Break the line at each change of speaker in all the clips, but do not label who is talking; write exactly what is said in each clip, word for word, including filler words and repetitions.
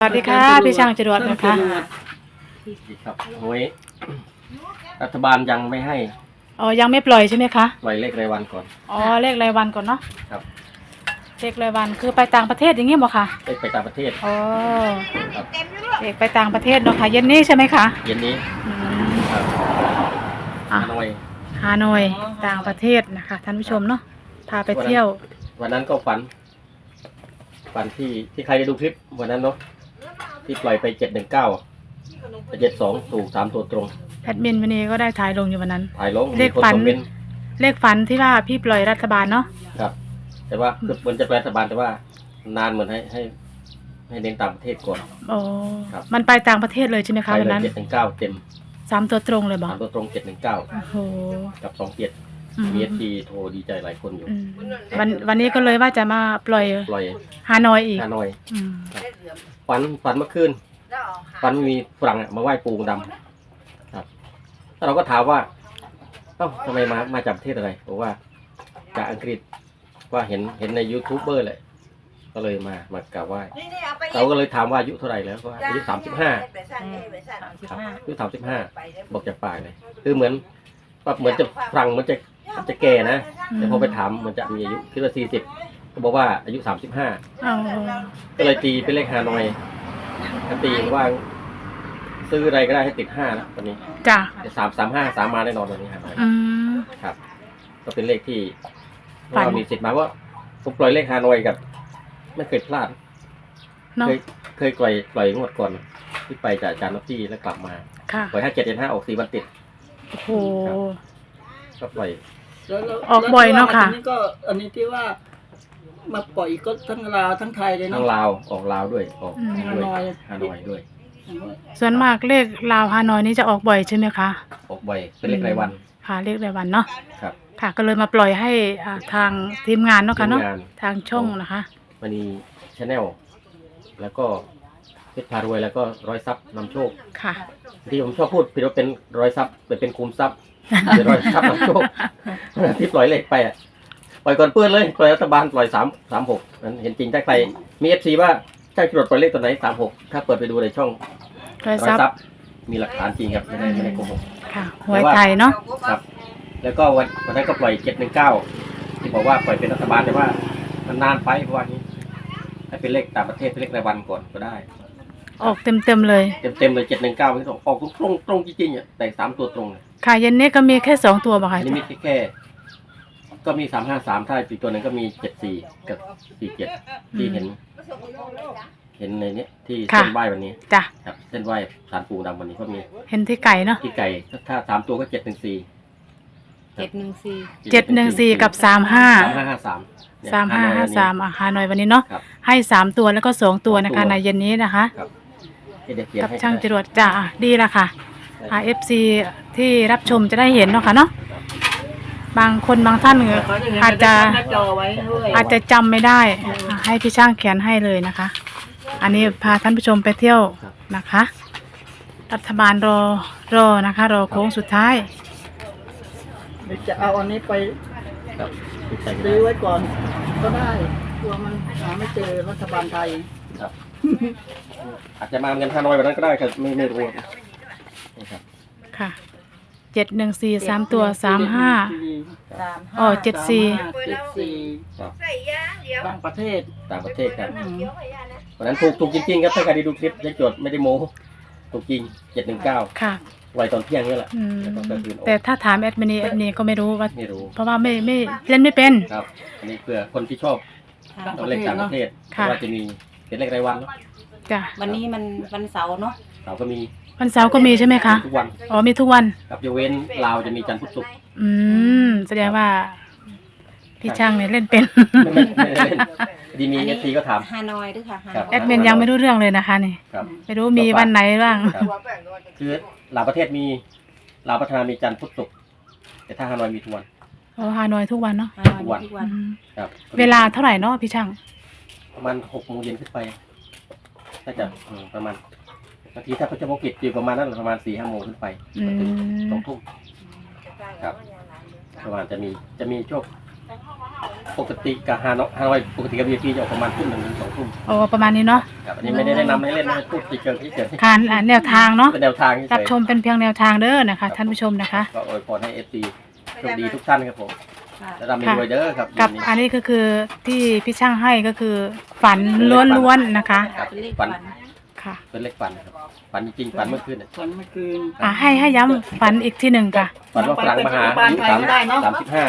สวัสดีค่ะพี่ช่างจรวดนะคะ
ครับหวยรัฐบาลยังไม่ให้
อ๋อยังไม่ปล่อยใช่ไหมคะ
ปล่อยเลขรายวันก่อน
อ๋อเลขรายวันก่อนเนาะ
ครับ
เลขรายวันคือไปต่างประเทศอย่างงี้บ่คะ
เลขไปต่างประเทศ
อ๋อ
ครับ
เลขไปต่างประเทศเนาะค่ะเย็นนี้ใช่ไหมคะ
เย็นนี้ครับฮานอย
ฮานอยต่างประเทศนะคะท่านผู้ชมเนาะพาไปเที่ยว
วันนั้นก็ฝันฝันที่ที่ใครได้ดูคลิปวันนั้นเนาะที่ปล่อยไปเจ็ดหนึ่งเก้าเจ็ดสองถูกสามตัวตรง
แอดมินวันนี้ก็ได้ถ่ายลงอยู่วันนั้น
ถ่ายลง
เลขฝันเลขฝันที่ว่าพี่ปล่อยรัฐบาลเนาะ
ครับแต่ว่าคือมันจะปล่อยรัฐบาลแต่ว่านานเหมือนให้ให้ให้เน้นต่างประเทศก่อน
โอ้มันไปต่างประเทศเลยใช่ไหมคะวันนั้น
เจ็ดหนึ่งเก้าเต็ม
สามตัวตรงเลยบอก
สามตัวตรงเจ็ดหนึ่งเก้าโอ้โหกับสองเจ็ดมีเอฟซีโทรดีใจหลายคนอยู่
วันวันนี้ก็เลยว่าจะมาปล่อย
ปล่อย
ฮานอยอีก
ฮานอยฝันฝันเมื่อคืนฝันมีฝรั่งมาไหว้ปูดำครับแล้วเราก็ถามว่าเอ้าทำไมมามาจากประเทศอะไรบอกว่าจากอังกฤษว่าเห็นเห็นในยูทูบเบอร์เลยก็เลยมามากราบไหว้เราก็เลยถามว่าอายุเท่าไหร่แล้วก็อายุสามสิบห้าอายุสามสิบห้าบอกจากปากเลยคือเหมือนแบบเหมือนจะฝรั่งมันจะจะแก่นะแต่พอไปถามมันจะมีอายุคิดว่าสี่สิบก็บอกว่าอายุสามสิบห้าก็เลยตีเป็นเลขฮานอยตีว่าซื้ออะไรก็ได้ให้ติดห้าแล้วตอนนี้
จ้ะ
สามสามห้าสามมาแน่นอนตอนนี้ฮานอยครับก็เป็นเลขที่เรามีสิทธิ์มาว่าผมปล่อยเลขฮานอยกับไม่เคยพลาดเคยเคยปล่อยปล่อยงวดก่อนที่ไปจากอาจารย์นพที่แล้วกลับมาปล่อยห้าเจ็ดเจ็ดห้าออกสี่วันติด
โอ้โห
ก็ปล่อย
ออกบ่อยเนาะค่ะ
อันนี้ก็อันนี้ที่ว่ามาปล่อยก็ทั้งลาวทั้งไทยเลยเนาะ
ทั้งลาวออกลาวด้วยออกฮานอยฮานอยด้วย
ส่วนมากเลขลาวฮานอยนี่จะออกบ่อยใช่ไหมคะ
ออกบ่อยเป็นเลขรายวัน
ค่ะเลขรายวันเนาะ
ครับ
ค่ะก็เลยมาปล่อยให้ทางทีมงานเนาะค่ะเนาะทางช่องนะคะ
มันมีชาแนลแล้วก็เพชรพารวยแล้วก็ร้อยซับนำโชค
ค่ะ
ที่ผมชอบพูดผิดว่าเป็นร้อยซับเป็นเป็นคูณซับเป็นร้อยซับนำโชคที่ปล่อยเลขไปอ่ะปล่อยก่อนเพื่อนเลยปล่อยรัฐบาลปล่อยสามสามหกนั้นเห็นจริงถ้าใครมีเอฟซีว่าใช่จรวดปล่อยเลขตัวไหนสามหกถ้าเปิดไปดูในช่อง
ร้อยซับ
มีหลักฐานจริงครับไม่ได้ไม่ได้โกหก
ค่ะหวยไทยเนาะ
ครับแล้วก็วันวันนั้นก็ปล่อยเจ็ดหนึ่งเก้าที่บอกว่าปล่อยเป็นรัฐบาลแต่ว่ามันนานไปเพราะว่านี้ให้เป็นเลขต่างประเทศเป็นเลขรายวันก่อนก็ได้
ออกเต็มเต็มเลย
เต็มเต็มเลยเจ็ดหนึ่งเก้าไม่ต้องออกตรงตรงจริงๆอ่ะแต่สามตัวตรงเลย
ค่ะเย็นนี้ก็มีแค่สองตัวป่ะคะ
นี่มีแค่ก็มีสามห้าสามถ้าอีกตัวหนึ่งก็มีเจ็ดสี่กับสี่เจ็ดที่เห็นเห็นในนี้ที่เส้นไหว้วันนี้
จ้ะ
ครับเส้นไหว้สารปูดำวันนี้ก็มี
เห็นที่ไก่เนาะ
ที่ไก่ถ้าสามตัวก็เจ็ดหนึ่งสี่
เจ็ดหนึ่งสี่
เจ็ดหนึ่งสี่กับสามห้า
สามห้าห้าสาม
สามห้าห้าสามอ่ะฮานอยวันนี้เนาะให้สามตัวแล้วก็สองตัวนะคะในเย็นนี้นะคะกับช่างจรวดจ้าดีละค่ะเอฟซีที่รับชมจะได้เห็นเนาะค่ะเนาะบางคนบางท่านอาจจะอาจจะจำไม่ได้ให้พี่ช่างเขียนให้เลยนะคะอันนี้พาท่านผู้ชมไปเที่ยวนะคะรัฐบาลรอรอนะคะรอโค้งสุดท้าย
จะเอาอันนี้ไปซื้อไว้ก่อนก็ได้กลัวมันหาไม่เจอรัฐบาลไทย
ครับอาจจะมาเงินฮานอยแบบนั้นก็ได้ครับไม่ไม่รู้ครับ
ค่ะเจ็ดหนึ่งสี่สามตัวสามห้าอ๋อเจ็ดสี่
เจ็ดสี่ต่างประเทศ
ต่างประเทศครับวันนั้นถูกถูกจริงๆครับถ้าใครได้ดูคลิปยังจดไม่ได้โม้ถูกจริงเจ็ดหนึ่งเก้า
ค่ะ
ไวตอนเที่ยงนี่แหละ
แต่ถ้าถามแอดมินีแอดมินีก็ไม่รู้ว่าเพราะว่าไม่ไม่เล่นไม่เป็น
ครับอันนี้เพื่อคนที่ชอบตัวเลขต่างประเทศว่าจะมีเป็นเลขรายวันเนาะ
จ้ะ
วันนี้มันวันเสาร์เนาะ
เสาร์ก็มี
วันเสาร์ก็มีใช่ไหมคะ
ทุกวัน
อ๋อมีทุกวัน
ครับยกเว้นลาวจะมีจันทร์พุธศุกร์
อืมแสดงว่าพี่ช่างเนี่ยเล่นเป็น
ดีมีเอฟซีก็ถาม
ฮานอยด้วยค่ะ
แอดมินยังไม่รู้เรื่องเลยนะคะนี่ไม่รู้มีวันไหนบ้าง
คือลาวประเทศมีลาวพัฒนามีจันทร์พุธศุกร์แต่ถ้าฮานอยมีทุกวัน
อ๋อฮานอยทุกวันเนาะ
ทุกวัน
ครับเวลาเท่าไหร่เนาะพี่ช่าง
ประมาณหกโมงเย็นขึ้นไปถ้าจะประมาณบางทีถ้าเขาจะโมกิจอยู่ประมาณนั้นประมาณสี่ห้าโมงขึ้นไปถึงสองทุ่มครับประมาณจะมีจะมีโชคปกติกับฮานอยฮานอยปกติกับ วี ไอ พี จะออกประมาณทุ่มหนึ่งถึงสองทุ่ม
โอ้ประมาณนี้เนาะ
ครับอันนี้ไม่ได้แนะนำให้เล่นนะพูดเฉยๆเฉย
การอ่านแนวทางเนาะ
ๆเป็นแนวทางเฉยๆ
รับชมเป็นเพียงแนวทางเด้อนะคะท่านผู้ชมนะคะ
ก็อวยพรให้ เอฟ ซี โชคดีทุกท่านครับผม
ค่ะ
และร่ำรวยเด้อครับ
กับ
วันนี้
อันนี้ก็คือที่พี่ช่างให้ก็คือฝันล้วนๆนะคะ
ครับ
เป็นเลข
ฝั
ฝั
น
น
ค่ะ
เป็นเลขฝันนะครับฝันจริงๆฝันเมื่อคืนน่ะ
ฝันเมื่อคืน
อ่ะให้ให้ย้ำฝันอีกทีหนึ่งค่ะ
ฝันว่าฝรั่งมาหาอายุสามสามสิบห้า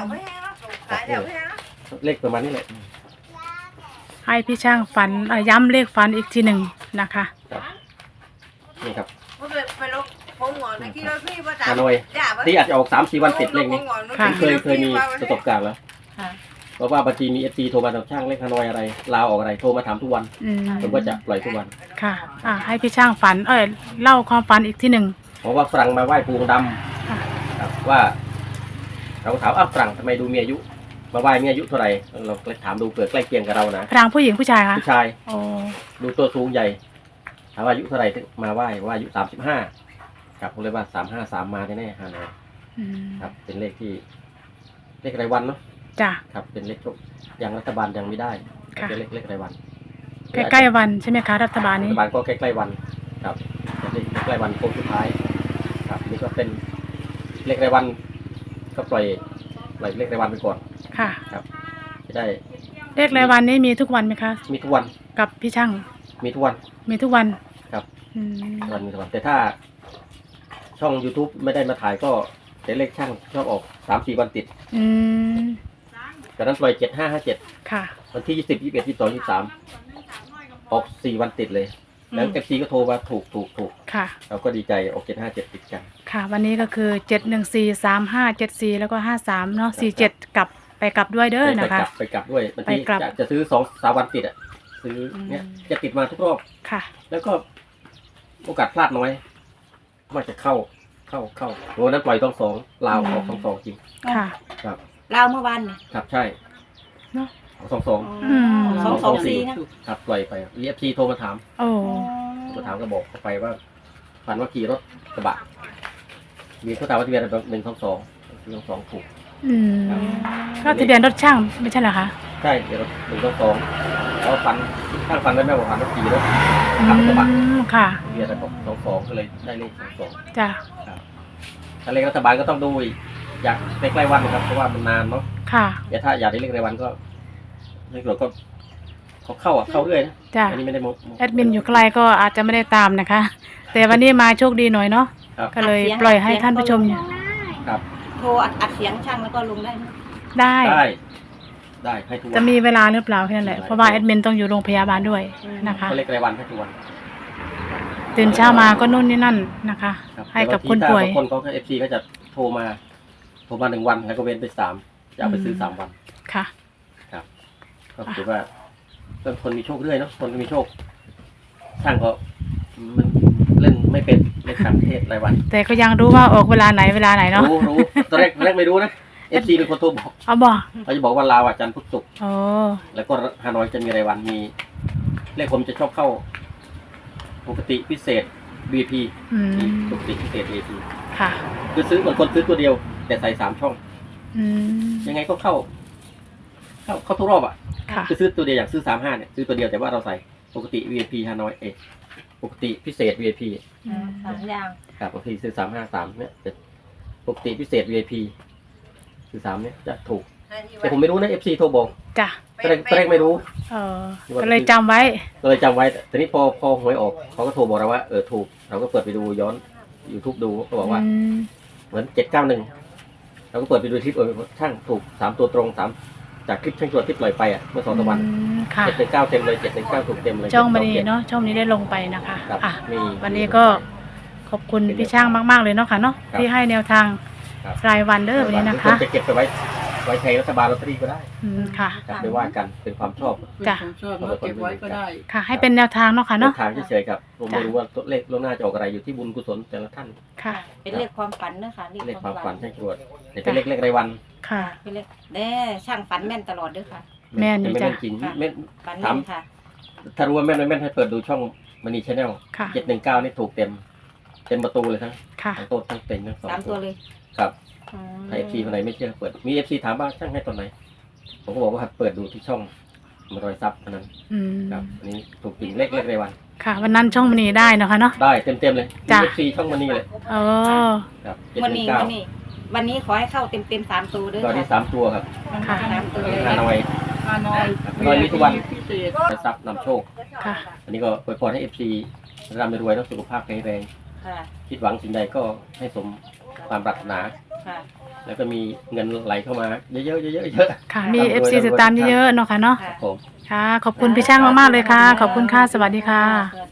เลขประมาณนี้แหละ
ให้พี่ช่างฝันเอ่อย้ำเลขฝันอีกทีหนึ่งนะคะ
ครับนี่ครับ
ไปลงผมหงอนในที่เราพี่ประจำ
ฮานอยที่อาจจะออกสามสี่วันติดเลขนี้
ค่ะ
เคยเคยมีประสบการณ์แล้ว
ค่ะ
เพราะว่าบางทีมีเอฟซีโทรมาถามช่างเลขฮานอยอะไรลาวออกอะไรโทรมาถามทุกวัน
อืม
ผมก็จะปล่อยทุกวัน
ค่ะ อ่าให้พี่ช่างฝัน เอ้ยเล่าความฝันอีกทีหนึ่ง
เพราะว่าฝรั่งมาไหว้ปูองค์ด
ค่ะ
ำครับว่า เราก็ถามอ้าวฝรั่งทำไมดูมีอายุ มาไหว้มีอายุเท่าไหร่เราเลยถามดูเผื่อใกล้เคียงกับเรานะ
พรางผู้หญิงผู้ชายคะ
ผู้ชาย
โอ้
ดูตัวสูงใหญ่ถามว่าอายุเท่าไหร่ถึงมาไหว้ว่าอายุสามสิบห้าครับผมเลยว่าสามห้าสามมาแน่ๆฮานอย
อืม
ครับ เป็นเลขที่ เลขรายวันเนาะ
จ้ะ
ครับ เป็นเลขโชคยังรัฐบาลยังไม่ได้
ค่ะ
เป็นเลขเลขรายวัน
ใกล้ๆวันใช่ไหมคะรัฐบาล
รั
นี้
ฐบาลก็ใกล้ๆวัน ครับเป็นเลขใกล้วันโค้งสุดท้าย ครับ นี่ก็เป็นเลขรายวัน ก็ปล่อยปล่อยเลขรายวันไปก่อน
ค่ะ
ครับจะได้
เลขรายวันนี้มีทุกวันไหมคะ
มีทุกวัน
กับพี่ช่าง
มีทุกวัน
มีทุกวัน
ครับ
อืม
วันมีทุกวันแต่ถ้า ช่อง YouTube ไม่ได้มาถ่ายก็แต่เลขช่างชอบออกสามสี่วันติด
อืม
จากนั้นปล่อยเจ็ดห้าห้าเจ็ด
ค่ะ
วันที่ยี่สิบยี่สิบเอ็ดยี่สิบสองยี่สิบสามออกสี่วันติดเลย แล้ว
อืม
เอฟซีก็โทรมาถูกถูกถูก
ค่ะ
เราก็ดีใจออกเจ็ดห้าเจ็ดติดกัน
ค่ะ วันนี้ก็คือเจ็ดหนึ่งสี่สามห้าเจ็ดสี่แล้วก็ห้าสามเนาะสี่เจ็ดกลับไปกลับด้วยเด้อ
ไป
นะคะ
กลับไปกลับด้วยบางที
ไปกลับ
จะจะซื้อสองสามวันติดอ่ะซื้อเนี่ย
อืม
จะติดมาทุกรอบ
ค่ะ
แล้วก็โอกาสพลาดน้อยว่าจะเข้าเข้าเข้าโอ้นั้นปล่อยต้องสองลาวออกสองสองจริง
ค่ะ
ครับ
เราเมื่อวานเนี่ย
ครับใช่
เนอะ
ออกสองสอง
อืม
สองสองสี่นะ
ครับปล่อยไปเอฟซีโทรมาถาม
โอ้
โทรมาถามก็บอกเขาไปว่าฝันว่าขี่รถกระบะมีเขาถามว่าทะเบียนอะไรหนึ่งสองสองหนึ่งสองถูก
อืมก็ทะเบียนรถช่างไม่ใช่เหรอคะ
ใช่เดี๋ยวรถหนึ่งสองสองแล้วฝันข้างฝันได้แม่บอกฝันว่าขี่รถ
อื
ขับกระบะ
มค่ะ
ทะเบียนอะไรบอกสองสองก็เลยได้เลขสองสอง
จ้ะ
ถ้าเลขรัฐบาลก็ต้องดูอีกอยากใกล้ๆวันนะครับเพราะว่ามันนานเนาะ
ค่ะ
แต่ถ้าอยากได้เลขรายวันก็เลขหลวงก็เขาเข้าอ่ะเข้าเรื่อยนะ
จ้ะ
อันนี้ไม่ได้โมโ
แอดมินอยู่ไกลก็อาจจะไม่ได้ตามนะคะ แต่วันนี้มาโชคดีหน่อยเนาะ
ครับ
ก็เลยปล่อยให้ท่านผู้ชมเนี่ย
ครับ
โทรอัดอัดเสียงช่างแล้วก็ลงได้นะ
ได้
ได้ได้ให้ทุกวัน
จะมีเวลาหรือเปล่าแค่นั้นแหละ เพราะว่าแอดมินต้องอยู่โรงพยาบาลด้วยนะคะ
ก็เลขรายวันให้ทุกวัน
ตื่นเช้ามาก็นู่นนี่นั่นนะคะ
ครับ
ให้กับ
แต่
คน
บางที
ป่วย
ถ้าบางคนเขาเอฟซีก็จะโทรมาโทรมาหนึ่งวันแล้วก็เว้นไปสามจะเอาไปซื้อสามวัน
ค่ะ
ครับก็ถือว่าเป็นคนมีโชคเรื่อยเนาะคนมีโชคช่างก็มันเล่นไม่เป็นเลขต่างประเทศรายวัน
แต่ก็ยังรู้ว่าออกเวลาไหนเวลาไหนเนาะ
รู้รู้ตอนแรกตอนแรกไม่รู้นะเอฟซีเป็นคนโทรบอก
เอาบอก
เขาจะบอกว่าลาวอ่ะจันทร์พุธศุกร์
โอ้
แล้วก็ฮานอยจะมีรายวันมีเลขผมจะชอบเข้า ปกติพิเศษ วี พี
อืม
ปกติพิเศษ วี พี
ค่ะ
คือซื้อเหมือนคนซื้อตัวเดียว แต่ใส่สามช่อง
อืม
ยังไงก็เข้า เข้าเข้าทุกรอบอ่ะ
ค่ะ
คือซื้อตัวเดียวอย่างซื้อสามห้าเนี่ยซื้อตัวเดียวแต่ว่าเราใส่ปกติ วี พี ฮานอยเอปกติพิเศษ วี พี
อืม
สองอย่าง
ครับบางทีซื้อสามห้าสามเนี่ยแต่ปกติพิเศษ วี พี ซื้อสามเนี่ยจะถูก แต่ผมไม่รู้นะเอฟซีโทรบอก
จ้ะ
ตอนแรกตอนแรกไม่รู้
เออก็เลยจำไว้
ก็เลยจำไว้แต่ทีนี้พอพอหวยออกเขาก็โทรบอกเราว่าเออถูกเราก็เปิดไปดูย้อน YouTube ดูก็บอกว่า
อืม
เหมือนเจ็ดเก้าหนึ่งเราก็เปิดไปดูคลิปเออช่างถูกสามตัวตรงสามจากคลิปช่างตรวจที่ปล่อยไปอ่ะเมื่อสองสามวัน
อืมค่ะ
เจ็ดหนึ่งเก้าเต็มเลยเจ็ดหนึ่งเก้าถูกเต็มเลย
ช่องวันนี้เนาะช่องนี้ได้ลงไปนะคะ
ครับ
อ่ะ
มี
วันนี้ก็ขอบคุณพี่ช่างมาก ๆ เลยเนาะค่ะเนาะ
ครับ
ที่ให้แนวทาง
ครับ
รายวันเด้อวันนี้นะคะ
จะเก็บไปไว้ไว้ใช้รัฐบาลลอตเตอรี่ก็ได้
อืมค่ะ
ครับไม่ว่ากันเป็นความชอบ
เป็น
จ้ะ
ของชอบแล้วเก็บไว้ก็ได้
ค่ะ ให้เป็นแนวทางเนาะค่ะเนาะ
ทางเฉยๆครับผมไม่รู้ว่าตัวเลขล่วงหน้าจะออกอะไรอยู่ที่บุญกุศลแต่ละท่าน
ค่ะ
เป็นเลขความฝันนะคะ
เลขความฝันช่างตรวจแต่เป็นเลขเลขรายวัน
ค่ะ
เป็นเลขแน่ช่างฝันแม่นตลอดเด้วยค่ะ
แม่นอยู่
ไม่
จ้ะ
แม่นจริง
ค่ะ
แม่น
ฝัน
ถา
แม่
ม
นค่ะ
ถ้ารู้ว่าแม่นไม่แม่นให้เปิดดูช่องมณีชาแนล
ค่ะ
เจ็ดหนึ่งเก้านี่ถูกเต็ม เต็มประตูเลยทั้ง
ค่ะ
ทั้งโต๊ะทั้งเต็นท์ทั้งสอง
สามตัวเลย
ครับ
อืม
ถ้าเอฟซีคนไหนไม่เชื่อเปิดมีเอฟซีถามว่าช่างให้ตอนไหนผมก็บอกว่าเปิดดูที่ช่องมารอยซับอันนั้น
อืม
ครับอันนี้ถูกจริงเลขเลขในวัน
ค่ะ วันนั้นช่องมณีได้เนาะค่ะเนาะ
ได้เต็มเต็มๆเลย
จ้ะ
เอฟซีช่องมันนี่เลย
เออ
ครับ
วันนี้
เก้า
วันนี้ วันนี้ขอให้เข้าเต็มเต็มๆสามตัวด้วย
ตอนนี้
ค่ะ
สามตัวครับ
ค่ะ
สามตัวเลย
ฮานอย
ฮานอย
ฮานอยมีทุกวัน
พิเศษ
รอยซับนำโชค
ค่ะ
อันนี้ก็อวยพรให้เอฟซีร่ำรวยแล้วสุขภาพแข็งแรง
ค่ะ
คิดหวังสิ่งใดก็ให้สมความปรารถนา
ค่ะ
แล้วก็มีเงินไหลเข้ามาเยอะๆเยอะๆเยอะ
ค่ะ มีเอฟซีติดตามเยอะๆเนาะค่ะเนาะ
ๆครับผม
ค่ะ ขอบคุณพี่ช่างมากๆเลยค่ะ ขอบคุณค่ะ สวัสดีค่ะ
สวัสดี